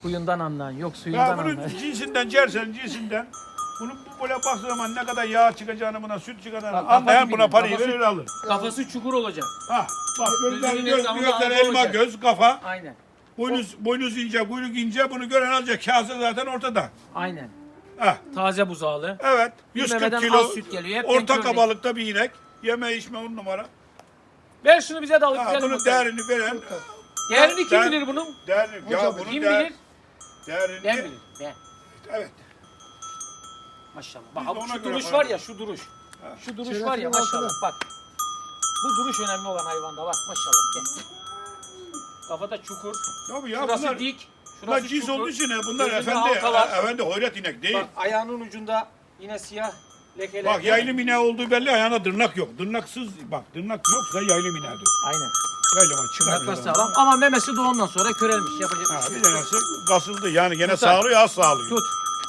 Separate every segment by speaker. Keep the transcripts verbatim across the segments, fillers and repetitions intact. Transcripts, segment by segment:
Speaker 1: Suyundan anlan, yok suyundan
Speaker 2: Ya bunu
Speaker 1: anlan.
Speaker 2: cinsinden, cersen cinsinden. Bunu bu böyle baktığı zaman ne kadar yağ çıkacağını, buna süt çıkacağını
Speaker 1: Bak,
Speaker 2: anlayan
Speaker 1: kafası
Speaker 2: buna
Speaker 1: bilir,
Speaker 2: parayı
Speaker 1: kafası-
Speaker 2: verir alır.
Speaker 1: Kafası çukur olacak.
Speaker 2: Ha, bak gözler,
Speaker 1: Gözünün
Speaker 2: göz,
Speaker 1: yanında
Speaker 2: gözler
Speaker 1: ağzı
Speaker 2: elma
Speaker 1: olacak.
Speaker 2: göz, kafa.
Speaker 1: Aynen.
Speaker 2: Boynuz, boynuz ince, kuyruk ince. Bunu gören alacak. Kase zaten ortada.
Speaker 1: Aynen.
Speaker 2: Ha,
Speaker 1: Taze buzağlı.
Speaker 2: evet. yüz kırk
Speaker 1: memeden
Speaker 2: kilo.
Speaker 1: az süt geliyor, hep
Speaker 2: Orta
Speaker 1: renkli
Speaker 2: kabalıkta bir inek. Yeme içme on numara.
Speaker 1: Ver şunu bize de alıp
Speaker 2: Ha,
Speaker 1: gidelim.
Speaker 2: bunun
Speaker 1: bakalım.
Speaker 2: değerini veren.
Speaker 1: Değerini kim
Speaker 2: Değer-
Speaker 1: bilir bunun?
Speaker 2: Değerini, ya bunun
Speaker 1: Kim
Speaker 2: değer-
Speaker 1: bilir?
Speaker 2: değerini.
Speaker 1: Ben bilirim. Ben.
Speaker 2: Evet.
Speaker 1: Maşallah.
Speaker 2: Biz
Speaker 1: Bak
Speaker 2: de ona
Speaker 1: şu
Speaker 2: göre
Speaker 1: duruş
Speaker 2: para
Speaker 1: var ya, şu duruş. Şu duruş var ya maşallah. Bak. Bu duruş önemli olan hayvanda. Bak maşallah. Gel. Kafada çukur.
Speaker 2: Tabii ya
Speaker 1: Şurası
Speaker 2: bunlar,
Speaker 1: dik.
Speaker 2: bunlar
Speaker 1: Şurası
Speaker 2: cins
Speaker 1: çukur.
Speaker 2: olduğu için ne? Bunlar
Speaker 1: Gözünde
Speaker 2: efendi,
Speaker 1: halka var.
Speaker 2: efendi hoyrat inek değil.
Speaker 1: Bak ayağının ucunda yine siyah lekeler.
Speaker 2: Bak yaylım ineği olduğu belli, ayağına tırnak yok. Tırnaksız, bak tırnak yoksa yaylım ineğidir.
Speaker 1: Aynen.
Speaker 2: Yaylım çıkar.
Speaker 1: Tırnaklar sağlam ama memesi doğumdan sonra körelmiş. Yapacak
Speaker 2: Ha,
Speaker 1: bir şey
Speaker 2: bir
Speaker 1: yok.
Speaker 2: tanesi kasıldı yani gene
Speaker 1: Tutar.
Speaker 2: sağlıyor az sağlıyor.
Speaker 1: Tut.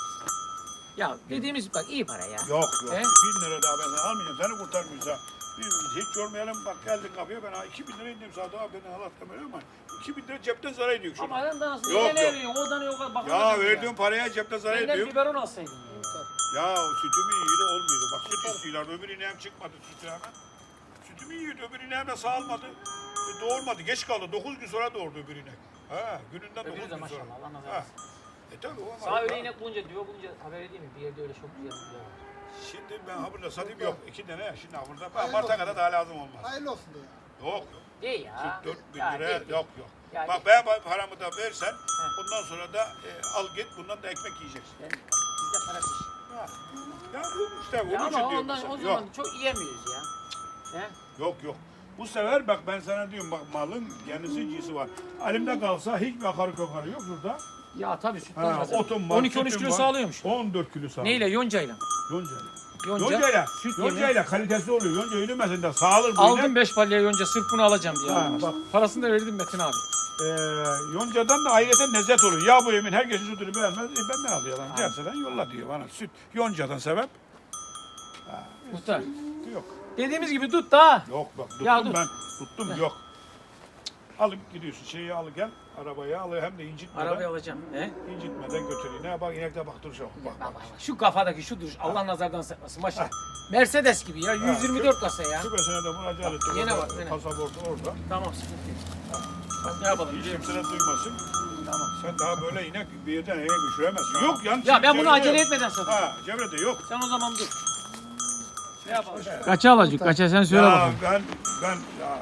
Speaker 1: Ya dediğimiz bak iyi para ya.
Speaker 2: Yok yok.
Speaker 1: He?
Speaker 2: Bin lira daha ben sana almayacağım. Seni kurtarmıyoruz ha. Bir, hiç yormayalım bak geldin kapıya ben ha iki bin lira indim Sadık abi beni halat böyle ama iki bin lira cepten zarar ediyor şuna.
Speaker 1: Ama adam da nasıl
Speaker 2: Yok,
Speaker 1: ne
Speaker 2: yok.
Speaker 1: veriyor? Oradan yok bak.
Speaker 2: Ya verdiğim paraya cepten zarar
Speaker 1: Benden
Speaker 2: ediyor.
Speaker 1: biberon alsaydın ya.
Speaker 2: Ya sütümü yiyordu olmuyordu. Bak süt istiyorlar. Öbür ineğim çıkmadı sütü hemen. Sütümü yiyordu. Öbür ineğim de sağılmadı. E, doğurmadı. Geç kaldı. Dokuz gün sonra doğurdu öbür inek. Ha gününden dokuz
Speaker 1: Öbürü de
Speaker 2: gün sonra.
Speaker 1: maşallah Allah nazar
Speaker 2: Ha.
Speaker 1: etsin.
Speaker 2: E tabii o
Speaker 1: Sağ
Speaker 2: ama.
Speaker 1: öyle inek bulunca diyor bulunca haber edeyim mi? Bir yerde öyle çok güzel bir yer var.
Speaker 2: Şimdi ben ha burada satayım yok. İki tane ya. Şimdi ha burada. Ben Mart'a kadar daha lazım olmaz.
Speaker 3: Hayırlı olsun diye.
Speaker 2: Yok yok.
Speaker 1: Değil ya.
Speaker 2: Dört bin
Speaker 1: Ya,
Speaker 2: lira
Speaker 1: değil, değil.
Speaker 2: yok yok.
Speaker 1: Ya,
Speaker 2: Bak
Speaker 1: değil.
Speaker 2: ben paramı da versen ondan sonra da e, al git bundan da ekmek yiyeceksin.
Speaker 1: Yani bizde para kış.
Speaker 2: Ha. Ya bu işte
Speaker 1: Ya
Speaker 2: onun
Speaker 1: ama
Speaker 2: için diyorum
Speaker 1: ondan
Speaker 2: mesela.
Speaker 1: o zaman
Speaker 2: Yok
Speaker 1: çok yiyemiyoruz ya. He?
Speaker 2: yok yok. Bu sefer bak ben sana diyorum bak malın kendisi cinsi var. Elimde kalsa hiçbir akarı kokarı yok burada.
Speaker 1: Ya tabii sütten
Speaker 2: Ha,
Speaker 1: kazanıyor.
Speaker 2: otum var,
Speaker 1: on iki on üç
Speaker 2: sütüm
Speaker 1: kilo
Speaker 2: var.
Speaker 1: sağlıyormuş.
Speaker 2: on dört kilo sağlıyor.
Speaker 1: Neyle? Yoncayla.
Speaker 2: Yoncayla.
Speaker 1: Yonca.
Speaker 2: Yoncayla.
Speaker 1: Süt
Speaker 2: Yoncayla
Speaker 1: yemeği.
Speaker 2: kalitesi oluyor. Yonca yürümesin de sağılır bu
Speaker 1: Aldım
Speaker 2: inek.
Speaker 1: beş palya yonca sırf bunu alacağım diye.
Speaker 2: Ha,
Speaker 1: aldım.
Speaker 2: bak.
Speaker 1: Parasını da verdim Metin abi.
Speaker 2: Ee, yoncadan da ayrıca lezzet oluyor. Ya bu yemin herkesin sütünü beğenmez. E, ben ne alıyorum? Gerçekten yolla diyor bana. Süt yoncadan sebep. Ha,
Speaker 1: Muhtar.
Speaker 2: yok.
Speaker 1: Dediğimiz gibi tut da.
Speaker 2: Yok bak tuttum
Speaker 1: Ya dur.
Speaker 2: ben. Tuttum yok. Alıp gidiyorsun şeyi al gel. Arabaya al hem de incitmeden.
Speaker 1: Arabayı alacağım. He?
Speaker 2: İncitmeden götüreyim. Ne bak inekte bak dur şu. Bak, bak.
Speaker 1: Bak, bak, bak. Şu kafadaki şu duruş Allah nazardan saklasın maşallah. Mercedes gibi ya yüz yirmi dört kasa ya.
Speaker 2: Şubesine de müracaat ettim.
Speaker 1: Yine
Speaker 2: Orada
Speaker 1: bak, yine.
Speaker 2: Pasaportu orada.
Speaker 1: Tamam sıkıntı yok. Bak ne yapalım
Speaker 2: Hiç
Speaker 1: biliyor musun?
Speaker 2: kimse de duymasın.
Speaker 1: Tamam.
Speaker 2: Sen daha böyle inek bir yerden eve düşüremezsin. Yok yan.
Speaker 1: Ya ben bunu
Speaker 2: çevrede
Speaker 1: acele
Speaker 2: yok.
Speaker 1: etmeden satayım.
Speaker 2: Ha çevrede yok.
Speaker 1: Sen o zaman dur. Ne yapalım?
Speaker 4: Kaça alacak? Kaça sen söyle
Speaker 2: Ya
Speaker 4: bakalım.
Speaker 2: ben ben ya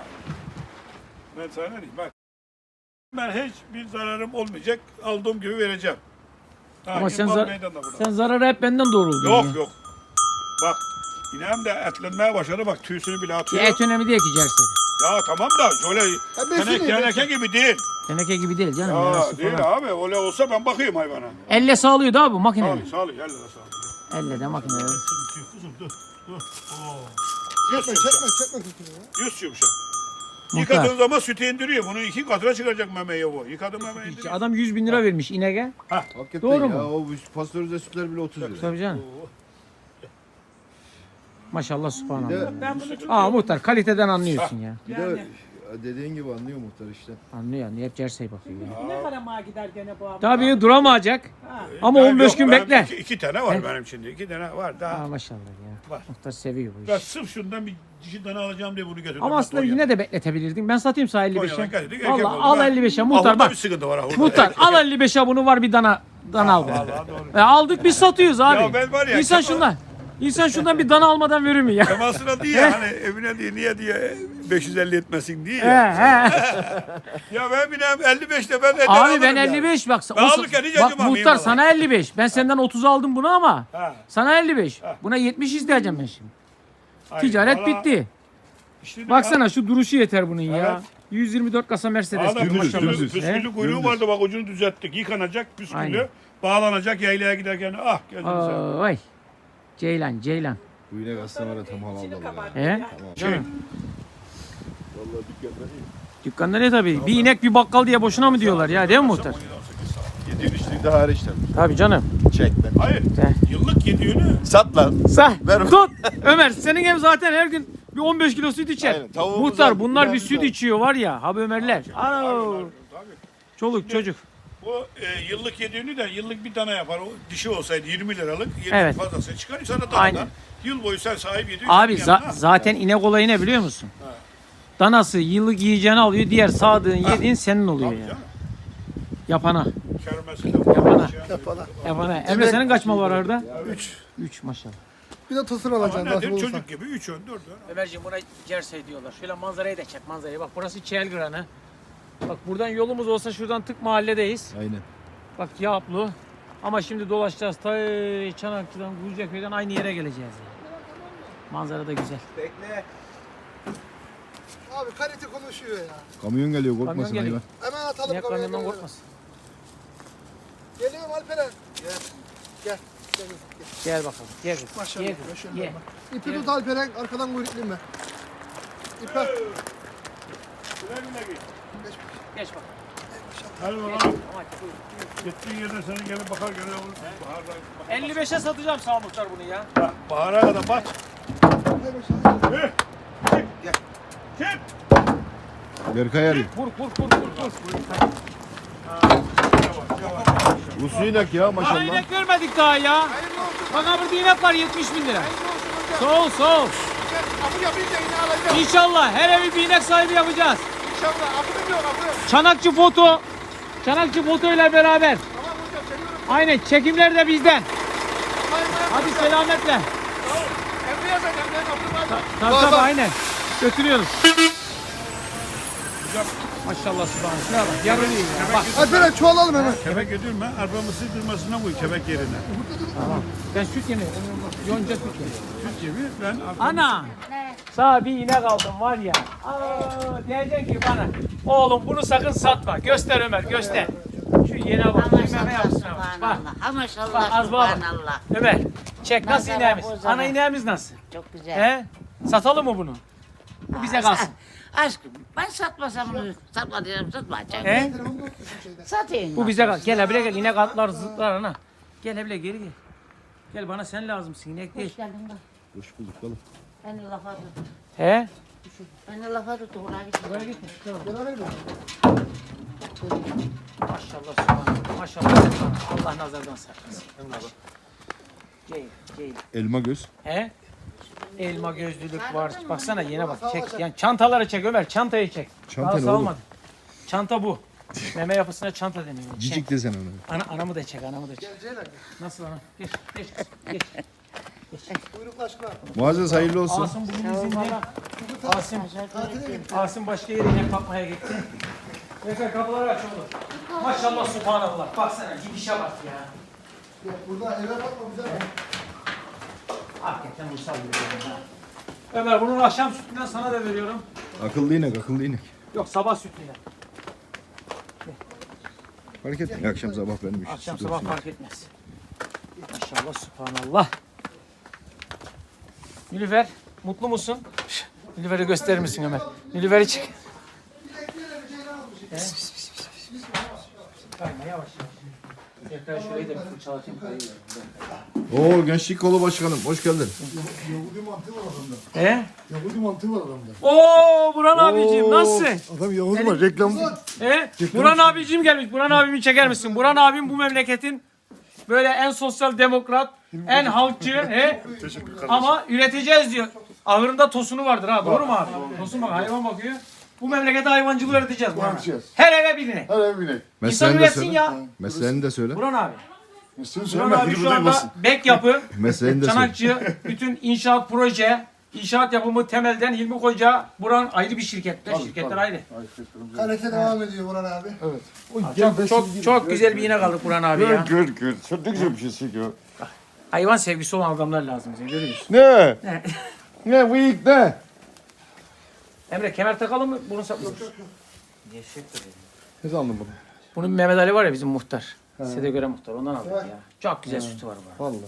Speaker 2: ben sana ne diyeyim bak. Ben hiçbir zararım olmayacak. Aldığım gibi vereceğim. Ha,
Speaker 4: Ama sen,
Speaker 2: İmpal
Speaker 4: zar
Speaker 2: meydanda burada.
Speaker 4: sen zararı hep benden doğruldun.
Speaker 2: Yok
Speaker 4: ya.
Speaker 2: yok. Bak ineğim de etlenmeye başladı. Bak tüysünü bile
Speaker 4: Ya
Speaker 2: atıyor.
Speaker 4: et önemli değil ki Cerse.
Speaker 2: Ya tamam da şöyle
Speaker 3: besini,
Speaker 2: tenek, teneke gibi değil.
Speaker 4: Teneke gibi değil canım.
Speaker 2: Ya
Speaker 4: yarası
Speaker 2: değil
Speaker 4: falan.
Speaker 2: abi. Öyle olsa ben bakayım hayvana.
Speaker 4: Elle sağlıyor da bu makine.
Speaker 2: Sağlı sağlı. Gel de sağlı.
Speaker 4: Elle de makine.
Speaker 2: Kızım dur. Dur. Oo. Yüz
Speaker 3: Çekme
Speaker 2: yumuşak.
Speaker 3: çekme çekme sütünü ya.
Speaker 2: Yüz yumuşak.
Speaker 4: Muhtar.
Speaker 2: Yıkadığın zaman sütü indiriyor. Bunu iki katına çıkacak memeye bu. Yıkadım memeyi indiriyor.
Speaker 4: Adam yüz bin lira vermiş inege.
Speaker 5: Hakikaten
Speaker 4: Doğru
Speaker 5: ya,
Speaker 4: mu?
Speaker 5: o pastörize sütler bile otuz lira.
Speaker 4: Tabii canım. Maşallah
Speaker 5: Bir
Speaker 4: subhanallah.
Speaker 5: de,
Speaker 1: Ben bunu çok
Speaker 4: Aa muhtar kaliteden anlıyorsun ya.
Speaker 5: bir de dediğin gibi anlıyor muhtar işte.
Speaker 4: Anlıyor anlıyor. Hep Cerse'ye bakıyor ya.
Speaker 1: ne kadar mağa gider gene bu abi?
Speaker 4: Tabii duramayacak. Ama
Speaker 2: Ben
Speaker 4: on beş
Speaker 2: yok,
Speaker 4: gün
Speaker 2: ben
Speaker 4: bekle.
Speaker 2: Iki, iki tane var
Speaker 4: He?
Speaker 2: benim şimdi. İki tane var daha.
Speaker 4: Aa maşallah ya.
Speaker 2: Var.
Speaker 4: Muhtar seviyor bu
Speaker 2: Ben
Speaker 4: işi.
Speaker 2: sırf şundan bir dişi tane alacağım diye bunu getirdim.
Speaker 4: Ama aslında yine de bekletebilirdin. Ben satayım sana elli beşe.
Speaker 2: Konya'dan geldik, erkek
Speaker 4: Valla
Speaker 2: oldu.
Speaker 4: al
Speaker 2: Ben-
Speaker 4: elli beşe.
Speaker 2: Ahurda
Speaker 4: Muhtar bak.
Speaker 2: bir sıkıntı var ahurda.
Speaker 4: Muhtar
Speaker 2: Erkek-
Speaker 4: al elli beşe bunu var bir dana dana al.
Speaker 2: Vallahi doğru.
Speaker 4: E, aldık biz satıyoruz abi.
Speaker 2: Ya ben var ya,
Speaker 4: İnsan
Speaker 2: Kemal-
Speaker 4: şundan. İnsan şundan bir dana almadan verir mi ya?
Speaker 2: Temasına diye hani evine diye niye diye beş yüz elli etmesin diye.
Speaker 4: He he.
Speaker 2: Ya ben bileyim elli beşte ben eder
Speaker 4: Abi
Speaker 2: alırım
Speaker 4: ben
Speaker 2: ya.
Speaker 4: elli beş bak.
Speaker 2: Ben
Speaker 4: o-
Speaker 2: alırken hiç
Speaker 4: bak
Speaker 2: acımam,
Speaker 4: muhtar
Speaker 2: eyvallah.
Speaker 4: sana elli beş. Ben senden otuz aldım bunu ama.
Speaker 2: Ha.
Speaker 4: Sana elli beş. Buna yetmiş isteyeceğim ben şimdi.
Speaker 2: Hayır,
Speaker 4: Ticaret
Speaker 2: valla
Speaker 4: bitti.
Speaker 2: işte
Speaker 4: Baksana şu duruşu yeter bunun ya.
Speaker 2: Evet.
Speaker 4: yüz yirmi dört kasa Mercedes.
Speaker 2: Adam
Speaker 4: Maşallah.
Speaker 2: püsküllü,
Speaker 4: He?
Speaker 2: püsküllü kuyruğu vardı bak ucunu düzelttik. Yıkanacak püsküllü.
Speaker 4: Aynen.
Speaker 2: Bağlanacak yaylaya giderken ah gözünü seveyim.
Speaker 4: Oy. Ceylan, Ceylan.
Speaker 5: Bu inek aslında var ya tam halaldalar ya.
Speaker 4: He?
Speaker 2: Şey,
Speaker 5: Vallahi dükkanda iyi.
Speaker 4: Dükkanda ne tabii? Bir inek bir bakkal diye boşuna mı diyorlar ya değil mi muhtar?
Speaker 5: Yediğin içtiğin de hariç tabii.
Speaker 4: Tabii canım.
Speaker 5: Çek ben.
Speaker 2: hayır.
Speaker 4: De.
Speaker 2: Yıllık yediğini
Speaker 5: Sat lan.
Speaker 4: Sah.
Speaker 5: Ver.
Speaker 4: Tut. Ömer senin hem zaten her gün bir on beş kilo süt içer.
Speaker 5: Aynen, tavuğumuz
Speaker 4: Muhtar
Speaker 5: var,
Speaker 4: bunlar bir
Speaker 5: biberimiz
Speaker 4: süt
Speaker 5: var.
Speaker 4: içiyor var ya. Abi Ömerler. Alo.
Speaker 2: tabii.
Speaker 4: Çoluk çocuk.
Speaker 2: Bu e, yıllık yediğini de yıllık bir tane yapar. O dişi olsaydı yirmi liralık, yirmi
Speaker 4: Evet.
Speaker 2: fazlası çıkar. Sana
Speaker 4: Aynen.
Speaker 2: danadan yıl boyu sen sahip yediğin.
Speaker 4: Abi za- zaten inek olayı ne biliyor musun? Danası yıllık yiyeceğini alıyor. Diğer sağdığın yediğin senin oluyor ya. Yapana. Yapana.
Speaker 3: Yapana.
Speaker 4: Yapana. Emre senin kaç mal var orada?
Speaker 3: Üç.
Speaker 4: üç maşallah.
Speaker 3: Bir de tosur
Speaker 2: Ama
Speaker 3: alacaksın nasip
Speaker 2: nedir?
Speaker 3: olursa.
Speaker 2: Çocuk gibi üç ön, dört ön.
Speaker 1: Ömerciğim buna Cersei diyorlar. Şöyle manzarayı da çek manzarayı. Bak burası Çelgran'ı. Bak buradan yolumuz olsa şuradan tık mahalledeyiz.
Speaker 5: Aynen.
Speaker 1: Bak Yaplı. Ama şimdi dolaşacağız. Ta Çanakçı'dan, Gülceköy'den aynı yere geleceğiz. Yani. Manzara da güzel.
Speaker 3: Abi kalite konuşuyor ya.
Speaker 5: Kamyon geliyor
Speaker 1: Kamyon
Speaker 5: korkmasın
Speaker 1: geliyor.
Speaker 5: hayvan.
Speaker 3: Hemen atalım
Speaker 1: Niye
Speaker 3: kamerayı.
Speaker 1: kamyondan korkmasın?
Speaker 3: Geliyorum Alperen. Gel. Gel. Gel.
Speaker 1: Gel bakalım. Gel.
Speaker 3: Maşallah.
Speaker 1: Gel.
Speaker 3: maşallah.
Speaker 1: Gel.
Speaker 3: İpi tut Alperen. Arkadan kuyrukluyum ben. İpe.
Speaker 2: Güle güle git.
Speaker 1: Geç bakalım.
Speaker 2: Hadi bakalım.
Speaker 1: Ama
Speaker 2: Gittiğin yerden senin gelip bakar gene olur. Baharda.
Speaker 1: elli beşe satacağım sağ muhtar bunu ya.
Speaker 2: Bak, bahara kadar bak. Hı. Gel. Gel.
Speaker 5: Berkay arıyor.
Speaker 1: Vur vur vur vur. vur.
Speaker 5: Uslu inek ya
Speaker 1: Daha
Speaker 5: maşallah.
Speaker 1: inek vermedik daha ya. Bak ha burada inek var yetmiş bin lira. Sağ ol sağ ol.
Speaker 3: Apı yapınca yine alacağım.
Speaker 1: İnşallah her evi bir inek sahibi yapacağız.
Speaker 3: İnşallah. Apı da yok apı.
Speaker 1: Çanakçı foto. Çanakçı foto ile beraber.
Speaker 3: Tamam hocam çekiyorum.
Speaker 1: Aynen çekimler de bizden. Hadi selametle.
Speaker 3: Emre yazacağım ben apı var.
Speaker 1: Tabii tabii aynen. Götürüyoruz. Maşallah subhanallah. Şuna bak yarılıyor ya. Bak
Speaker 3: Alperen çoğalalım hemen.
Speaker 2: Kebek yedirme, arpamı sızdırmasına koy kebek yerine.
Speaker 1: ben süt yemiyorum. Yonca süt yemiyorum.
Speaker 2: Süt gibi ben arpamı...
Speaker 1: Ana. Sağ bir inek aldım var ya. Aa, diyeceksin ki bana. Oğlum bunu sakın satma. Göster Ömer göster. Şu yene bak. Meme yapsın. Bak. Bak
Speaker 6: Maşallah,
Speaker 1: az bak.
Speaker 6: subhanallah.
Speaker 1: Ömer. Çek nasıl
Speaker 6: Nazara
Speaker 1: ineğimiz?
Speaker 6: bozara.
Speaker 1: Ana ineğimiz nasıl?
Speaker 6: Çok güzel.
Speaker 1: He? Satalım mı bunu? Bu bize kalsın.
Speaker 6: Aşkım ben satmasam bunu satma diyorum satmayacağım.
Speaker 1: He?
Speaker 6: Satayım.
Speaker 1: Bu bize kalsın. Gel hebile gel. İnek atlar zıtlar ana. Gel hebile geri gel. Gel bana sen lazımsın inek değil.
Speaker 6: Hoş geldin bak.
Speaker 5: Hoş bulduk oğlum.
Speaker 6: Beni lafa tut.
Speaker 1: He?
Speaker 6: Beni lafa tut. Oraya git.
Speaker 1: Buraya gitme. Maşallah subhanallah. Maşallah subhanallah. Allah nazardan saklasın. Gel, gel.
Speaker 5: Elma göz.
Speaker 1: He? Elma gözlülük var. Baksana yine bak. Çek. Yani çantaları çek Ömer. Çantayı çek.
Speaker 5: Çanta
Speaker 1: Daha
Speaker 5: ne
Speaker 1: salmadı. Çanta bu. Meme yapısına çanta deniyor.
Speaker 5: Cicik desen ona.
Speaker 1: Ana, anamı da çek, anamı da çek. Nasıl ana? Geç, geç, geç.
Speaker 3: Kuyruklu aşkına.
Speaker 5: Muazzez hayırlı olsun.
Speaker 1: Asım bugün izinde. Asım, Asım başka yere inek bakmaya gitti. Efe kapıları aç oğlum. Maşallah subhanallah. Baksana gidişe bak ya.
Speaker 3: Burada eve bakma güzel.
Speaker 1: Hakikaten uysal bir yer. Ömer bunun akşam sütünden sana da veriyorum.
Speaker 5: Akıllı inek akıllı inek.
Speaker 1: Yok sabah sütünden.
Speaker 5: Fark etmiyor. Akşam sabah benim işim.
Speaker 1: Akşam
Speaker 5: süt
Speaker 1: sabah
Speaker 5: olsun.
Speaker 1: fark etmez. Maşallah subhanallah. Nilüfer mutlu musun? Nilüfer'i gösterir misin Ömer? Nilüfer'i çek. He? Kayma yavaş yavaş. Tekrar şurayı da bir fırçalatayım kayıyor.
Speaker 5: Oo gençlik kolu başkanım. Hoş geldin.
Speaker 3: Yahudi mantığı var adamda.
Speaker 1: He?
Speaker 3: Yahudi mantığı var adamda.
Speaker 1: Oo Burhan abicim nasılsın?
Speaker 3: Adam Yahudi var reklam.
Speaker 1: He? Burhan abicim gelmiş. Burhan abimi çeker misin? Burhan abim bu memleketin böyle en sosyal demokrat, en halkçı, he? Ama üreteceğiz diyor. Ahırında tosunu vardır ha. Doğru mu abi? Tosun bak hayvan bakıyor. Bu memlekete hayvancılığı öğreteceğiz Burhan abi.
Speaker 3: Öğreteceğiz.
Speaker 1: Her eve birine.
Speaker 3: Her ev binek.
Speaker 1: İnsan
Speaker 5: Mesleğini de
Speaker 1: üretsin
Speaker 5: söyle.
Speaker 1: ya.
Speaker 5: Mesleğini de söyle.
Speaker 1: Burhan abi.
Speaker 3: Üstünü
Speaker 1: Burhan
Speaker 3: söyleme.
Speaker 1: abi şu anda bek yapı,
Speaker 5: Mesleğini de söyle.
Speaker 1: Çanakçı, bütün inşaat proje, inşaat yapımı temelden Hilmi Koca, Burhan ayrı bir şirketler. Şirketler ayrı.
Speaker 3: Kalite devam ediyor Burhan abi. Evet.
Speaker 1: Çok çok, çok güzel bir iğne kaldık Burhan abi ya.
Speaker 7: Gör gör. Çok ne güzel bir şey çekiyor.
Speaker 1: Hayvan sevgisi olan adamlar lazım bize görüyorsun.
Speaker 7: Ne?
Speaker 1: Ne?
Speaker 7: Ne bıyık ne?
Speaker 1: Emre kemer takalım mı? Burun saplıyor.
Speaker 7: Ne zaman bunu?
Speaker 1: Bunun Mehmet Ali var ya bizim muhtar. Size göre muhtar ondan aldık ya. Çok güzel sütü var bu.
Speaker 7: Vallahi.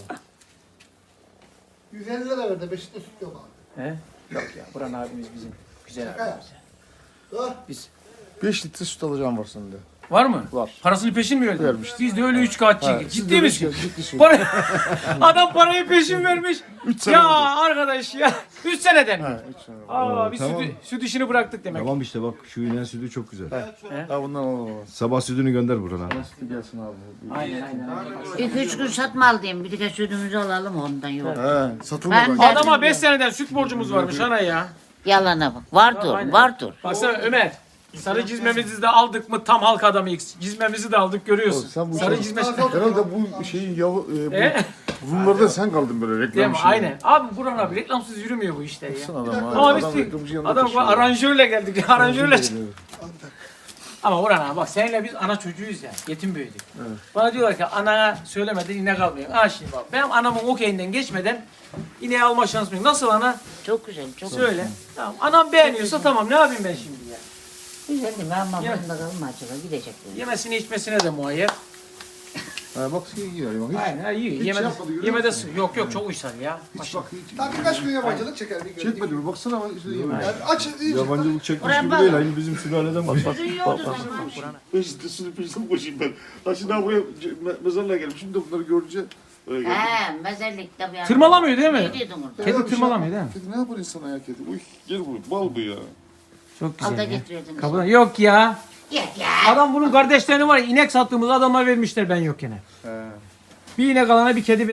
Speaker 3: yüz elli lira verdi. Beşikte süt yok abi.
Speaker 1: He? Yok ya Burhan abimiz bizim güzel
Speaker 3: Şaka
Speaker 1: abimiz.
Speaker 3: Dur.
Speaker 1: Biz
Speaker 7: beş litre süt alacağım var sende.
Speaker 1: Var mı?
Speaker 7: Var.
Speaker 1: Parasını peşin mi verdin?
Speaker 7: Vermişti.
Speaker 1: Biz de öyle üç kağıtçı.
Speaker 7: Ha, siz
Speaker 1: Ciddi
Speaker 7: de
Speaker 1: misin?
Speaker 7: üç kağıt, ciddi söylüyorum.
Speaker 1: Para... Adam parayı peşin vermiş.
Speaker 7: sene
Speaker 1: Ya
Speaker 7: oldu.
Speaker 1: arkadaş ya. üç seneden mi?
Speaker 7: Ha, üç sene.
Speaker 1: Aa, biz
Speaker 5: tamam.
Speaker 1: sütü, süt işini bıraktık demek.
Speaker 5: Tamam işte bak şu inen sütü çok güzel.
Speaker 7: Ha bundan alalım.
Speaker 5: Sabah sütünü gönder Burhan abi.
Speaker 7: Nasıl gelsin abi?
Speaker 1: Aynen aynen. aynen.
Speaker 6: İki üç gün satma al diyeyim. Bir de sütümüzü alalım ondan yok.
Speaker 7: He satılmadan.
Speaker 6: Ben de-
Speaker 1: Adama beş seneden süt borcumuz varmış ana ya.
Speaker 6: Yalana bak. Vardır,
Speaker 1: Aynen.
Speaker 6: vardır.
Speaker 1: Baksana Ömer. Sarı cizmemizi de aldık mı tam halk adamıyız. Cizmemizi de aldık görüyorsun.
Speaker 7: Sen bu
Speaker 1: Sarı
Speaker 7: şey-
Speaker 1: cizmesi.
Speaker 7: Herhalde bu şeyin yavu, e, bu
Speaker 1: E?
Speaker 7: Rumlarda sen kaldın böyle
Speaker 1: Değil
Speaker 7: reklam
Speaker 1: mi?
Speaker 7: şeyi.
Speaker 1: Aynen. Abi Burhan abi reklamsız yürümüyor bu işler ya.
Speaker 7: Baksana adam ha.
Speaker 1: Ama
Speaker 7: Adam
Speaker 1: biz
Speaker 7: reklamcı yanında
Speaker 1: adam
Speaker 7: taşıyor.
Speaker 1: aranjörle geldik. Aranjörle.
Speaker 7: Evet.
Speaker 1: Ama Burhan abi bak seninle biz ana çocuğuyuz ya. Yetim büyüdük. Bana diyorlar ki anana söylemeden inek almayayım. Ha şimdi bak benim anamın okeyinden geçmeden ineği alma şansım yok. Nasıl ana?
Speaker 6: Çok güzel, çok
Speaker 1: Söyle. Tamam. Anam beğeniyorsa tamam ne yapayım ben şimdi ya.
Speaker 6: güzel. Değil mi? Ama
Speaker 1: Ya.
Speaker 6: bunda kalma acaba gidecek. yani.
Speaker 1: Yemesine içmesine de muayyer.
Speaker 7: Ha bak şey yiyor. Bak, hiç,
Speaker 1: Aynen ha, iyi.
Speaker 7: hiç
Speaker 1: Yemede,
Speaker 7: yapmadı, görüyor
Speaker 1: yemede
Speaker 7: musun?
Speaker 1: yok yok çok uysal ya.
Speaker 7: hiç bak hiç.
Speaker 3: Daha birkaç gün yabancılık çeker. Bir gün.
Speaker 7: Çekmedi mi? Baksana bak işte yemin.
Speaker 3: Yani aç iyice.
Speaker 5: Yabancılık çekmiş
Speaker 6: Oraya
Speaker 5: gibi
Speaker 6: bak.
Speaker 5: değil. Aynı bizim sülaleden bak.
Speaker 6: Sütün yoktu zaten.
Speaker 7: Ben işte sınıf peşinden koşayım ben. Ha şimdi daha buraya me- mezarlığa geldim. Şimdi bunları görünce öyle geldim.
Speaker 6: He, mezarlıkta bir
Speaker 1: Tırmalamıyor değil mi?
Speaker 6: Ne diyordun orada?
Speaker 1: Kedi
Speaker 7: Ya bir şey
Speaker 1: tırmalamıyor
Speaker 7: yapma.
Speaker 1: değil mi?
Speaker 7: Kedi ne yapar insana ya kedi? Uy gel buraya. Bal bu ya.
Speaker 1: Çok
Speaker 6: Al da
Speaker 1: güzel ya.
Speaker 6: getiriyordun.
Speaker 1: Kapıdan. Yok ya.
Speaker 6: Git ya.
Speaker 1: Adam bunun kardeşlerini var ya inek sattığımız adama vermişler ben yokken.
Speaker 7: He.
Speaker 1: Bir inek alana bir kedi